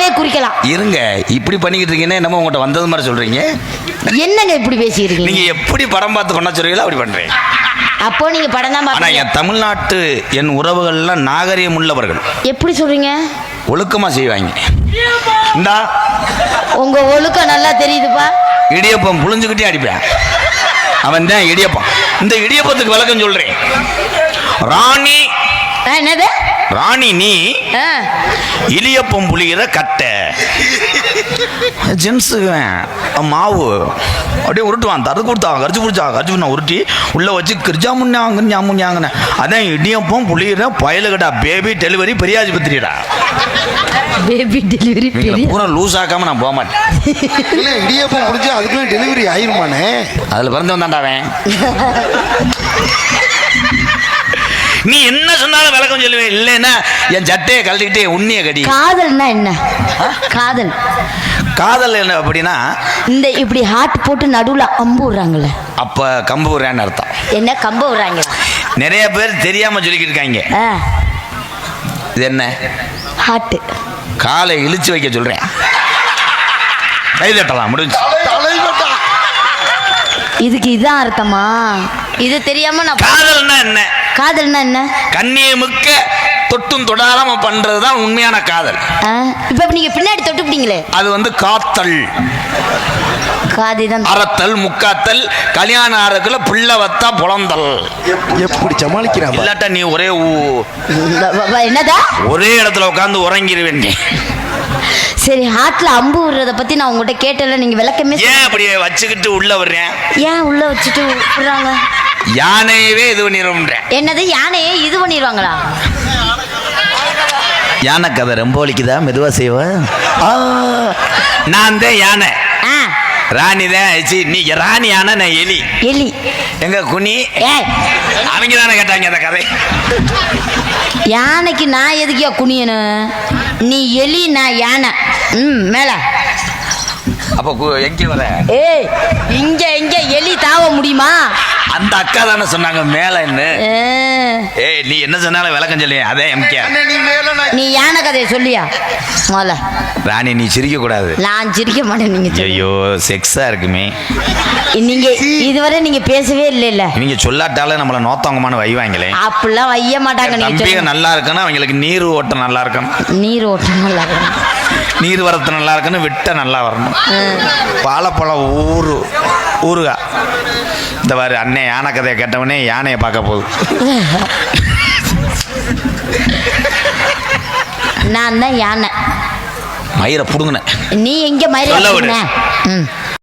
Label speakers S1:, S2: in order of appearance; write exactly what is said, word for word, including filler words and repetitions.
S1: அவரே குறிக்கலாம்.
S2: இருங்க, இப்படி பண்ணிக்கிட்டு இருக்கீங்கன்னா என்னமோ உங்கள்கிட்ட வந்தது மாதிரி சொல்றீங்க.
S1: என்னங்க இப்படி பேசிக்கிறீங்க?
S2: நீங்க எப்படி படம் பார்த்து பண்ண சொல்றீங்களோ அப்படி பண்றீங்க.
S1: அப்போ நீங்க படம் தான்
S2: ஆனா என் தமிழ்நாட்டு என் உறவுகள்லாம் நாகரிகம் உள்ளவர்கள்.
S1: எப்படி சொல்றீங்க?
S2: ஒழுக்கமா செய்வாங்க. இந்தா
S1: உங்க ஒழுக்கம் நல்லா தெரியுதுப்பா.
S2: இடியப்பம் புழிஞ்சுக்கிட்டே அடிப்பேன். அவன் தான் இடியப்பம். இந்த இடியப்பத்துக்கு விளக்கம் சொல்றேன். ராணி
S1: என்னது?
S2: ராணி நீ இடியப்பம் புளிகிற கட்டை. ஜென்ஸுக்கு மாவு அப்படியே உருட்டுவான். தரு கொடுத்தான், கரிச்சு பிடிச்சா கரிச்சு பண்ண உருட்டி உள்ள வச்சு கிரிஜா முன்னாங்க ஞாமுஞ்சாங்கன்னு. அதான் இடியப்பம் புளிகிற பயலுகடா. பேபி டெலிவரி பெரியாஜிபத்திரிடா.
S1: பேபி டெலிவரி
S2: பூரா லூஸ் ஆக்காம நான் போக மாட்டேன்.
S3: இல்லை, இடியப்பம் முடிஞ்சு அதுக்குள்ளே டெலிவரி ஆயிருமானே.
S2: அதில் பிறந்து வந்தாண்டாவேன். நீ என்ன சொன்னாலும் விளக்கம் சொல்லுவேன். இல்லைன்னா என் சட்டையை கழட்டிக்கிட்டே உண்மையை கடி.
S1: காதல்னா என்ன? காதல்
S2: காதல் என்ன அப்படின்னா
S1: இந்த இப்படி ஹார்ட் போட்டு நடுவுல அம்பு விடுறாங்கல்ல,
S2: அப்ப கம்பு விடுறான்னு அர்த்தம்.
S1: என்ன கம்பு விடுறாங்க? நிறைய
S2: நிறைய பேர் தெரியாம சொல்லிக்கிட்டு இருக்காங்க. இது என்ன?
S1: ஹார்ட்.
S2: காலை இழுச்சு வைக்க சொல்றேன். கை தட்டலாம், முடிஞ்சு.
S1: இதுக்கு இதான் அர்த்தமா? இது தெரியாம நான்
S2: காதல்னா என்ன?
S1: காதல்னா என்ன?
S2: கண்ணியை முக்க தொட்டும் தொடாம பண்றதுதான் உண்மையான காதல்.
S1: இப்ப நீங்க பின்னாடி தொட்டுப்பிட்டீங்களே,
S2: அது வந்து காத்தல்.
S1: காதிதான்
S2: அறத்தல், முக்காத்தல், கல்யாணம் ஆறதுக்குள்ள பிள்ளை வத்தா புலந்தல்.
S3: எப்படி சமாளிக்கிறான்?
S2: இல்லாட்டா நீ ஒரே
S1: என்னதா
S2: ஒரே இடத்துல உட்காந்து உறங்கிடுவேன்.
S1: சரி, ஹார்ட்ல அம்பு விடுறத பத்தி நான் உங்ககிட்ட கேட்டல, நீங்க விளக்கமே.
S2: ஏன் அப்படியே வச்சுக்கிட்டு உள்ள வர்றேன்?
S1: ஏன் உள்ள வச்சுட்டு விடுறாங்க?
S2: யானையவே இது பண்ணிடுறேன்.
S1: என்னது? யானையே இது பண்ணிடுவாங்களா?
S2: யானை கதை ரொம்ப வலிக்குதா? மெதுவா செய்வ. நான் தான் யானை, ராணி தான். நீ ராணி யானை, நான் எலி.
S1: எலி
S2: எங்க குனி? அவங்க தானே கேட்டாங்க அந்த கதை.
S1: யானைக்கு நான் எதுக்கியா குனியணும்? நீ எலி, நான் யானை. ம் மேல
S2: அப்ப எங்க வர?
S1: ஏய், இங்க எங்க எலி தாவ முடியுமா?
S2: அந்த அக்கா தானே சொன்னாங்க மேல என்ன. ஏய், நீ என்ன சொன்னாலும் விளக்கம் சொல்லி. அதே எம்கே,
S1: நீ யானை கதையை சொல்லியா முதல்ல.
S2: ராணி நீ சிரிக்க கூடாது.
S1: நான் சிரிக்க மாட்டேன். நீங்க
S2: ஐயோ செக்ஸா இருக்குமே.
S1: நீங்க இதுவரை நீங்க பேசவே இல்லை இல்ல.
S2: நீங்க சொல்லாட்டால நம்மள நோத்தவங்கமான வைவாங்களே.
S1: அப்படிலாம் வைய மாட்டாங்க.
S2: நீங்க நல்லா இருக்கணும், அவங்களுக்கு நீர் ஓட்டம் நல்லா இருக்கணும்.
S1: நீர் ஓட்டம் நல்லா இருக்கணும்,
S2: நீர் வரத்து நல்லா இருக்கணும், விட்ட நல்லா வரணும். பாலப்பழம் ஊரு ஊருகா. இந்த மாதிரி அண்ணே யானை கதையை கேட்டவனே யானையை பார்க்க போகுது.
S1: நான் தான் யானை.
S2: மயிரை புடுங்கின.
S1: நீ எங்க மயிரை?